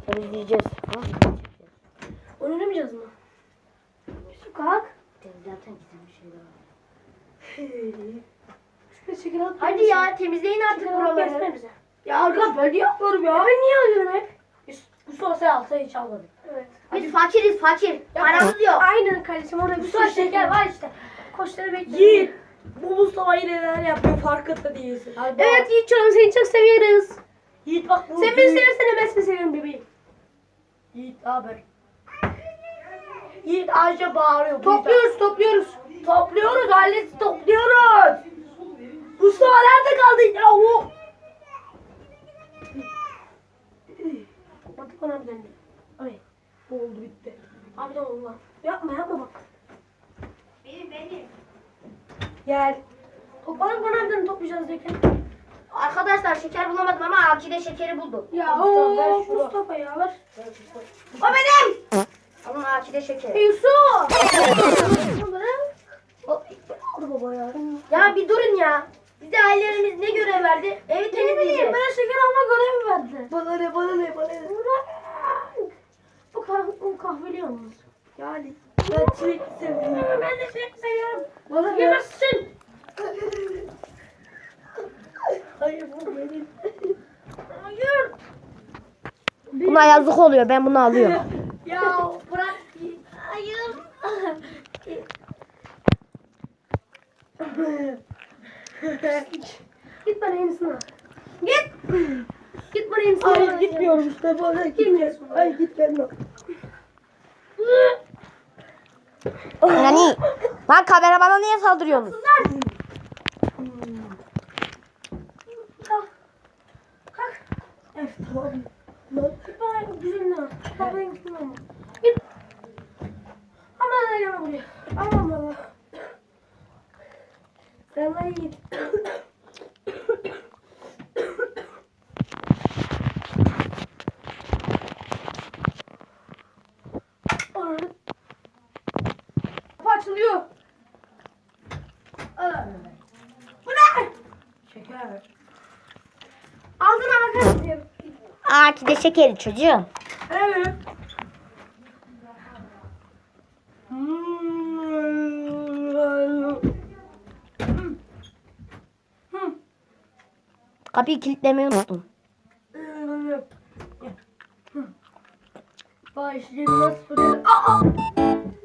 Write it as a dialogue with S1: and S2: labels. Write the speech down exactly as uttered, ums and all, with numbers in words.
S1: Temizleyeceğiz.
S2: Onu oynamayacağız mı? Yusuf kalk.
S1: Zaten güzel bir şey daha.
S2: Şuraya şeker at.
S1: Hadi ya temizleyin artık
S2: Şeker alıp
S1: buraları.
S2: gelsene bize. Ya arkadaş ben niye yapıyorum ya? Ben niye alıyorum hep?
S3: Mustafa sen alsa hiç almadık.
S2: Evet.
S1: Biz fakiriz fakir. Paramız yok.
S2: Aynen kardeşim orada bir sürü şeker var işte. Koçları bekliyorum.
S3: Yiğit. Bu Mustafa yine neler yapıyor farkında değilsin. Hadi bak.
S2: Evet Yiğit canım seni çok seviyoruz.
S3: Yiğit bak bu.
S2: Sen beni seversen ben seni seviyorum bebeğim.
S3: Yiğit haber. Yiğit Ayşe bağırıyor.
S2: Topluyoruz topluyoruz.
S3: Topluyoruz ailesi topluyoruz. Mustafa nerede kaldın yahu?
S2: Batık bana bir döndü.
S3: Ay oldu bitti.
S2: Abi de Allah. Yapma yapma bak.
S1: Benim benim.
S2: Gel. Topladık bana bir döndü toplayacağız derken.
S1: Arkadaşlar şeker bulamadım ama Akide şekeri buldum.
S2: Ya
S3: Mustafa, ver
S2: ooo
S3: şunu.
S2: Mustafa ya ver.
S1: O benim. Alın Akide şekeri.
S2: Hey Yusuf. Aldı baba ya.
S1: Ya bir durun ya. Bize ailelerimiz ne görev verdi? Evi
S2: Ne bileyim
S1: temizleyeceğiz.
S2: bana şeker alma görevi verdi.
S3: Bana ne bana ne bana ne.
S2: Bırak. Bu kahve, bu kahveli yalnız.
S3: Yani ben çilek seviyorum.
S2: Ben de çilek seviyorum.
S3: Bana ne?
S2: Yemezsin.
S3: Hayır bu benim.
S2: Hayır.
S1: Buna yazık oluyor. Ben bunu alıyorum.
S2: Ya bırak. Hayır. Git bana yenisini al. Git. Git bana yenisini al.
S3: Hayır gitmiyorum işte bana gitmiyorum. Hayır git gelme.
S1: Yani lan kameramana niye saldırıyorsunuz?
S2: Kalk. Kalk.
S3: Evet tamam.
S2: Git bana güzelini al. Bak ben gittim ama. Git. Aman da yana buraya. Aman baba. Sen bana git. Kapı açılıyor. Aa. Bu ne?
S3: Şeker.
S2: Aldın arkadaşlar.
S1: Akide şekeri çocuğum.
S2: Evet.
S1: Kapıyı kilitlemeyi unuttum.
S3: Bak işte nasıl fırladı. Aa!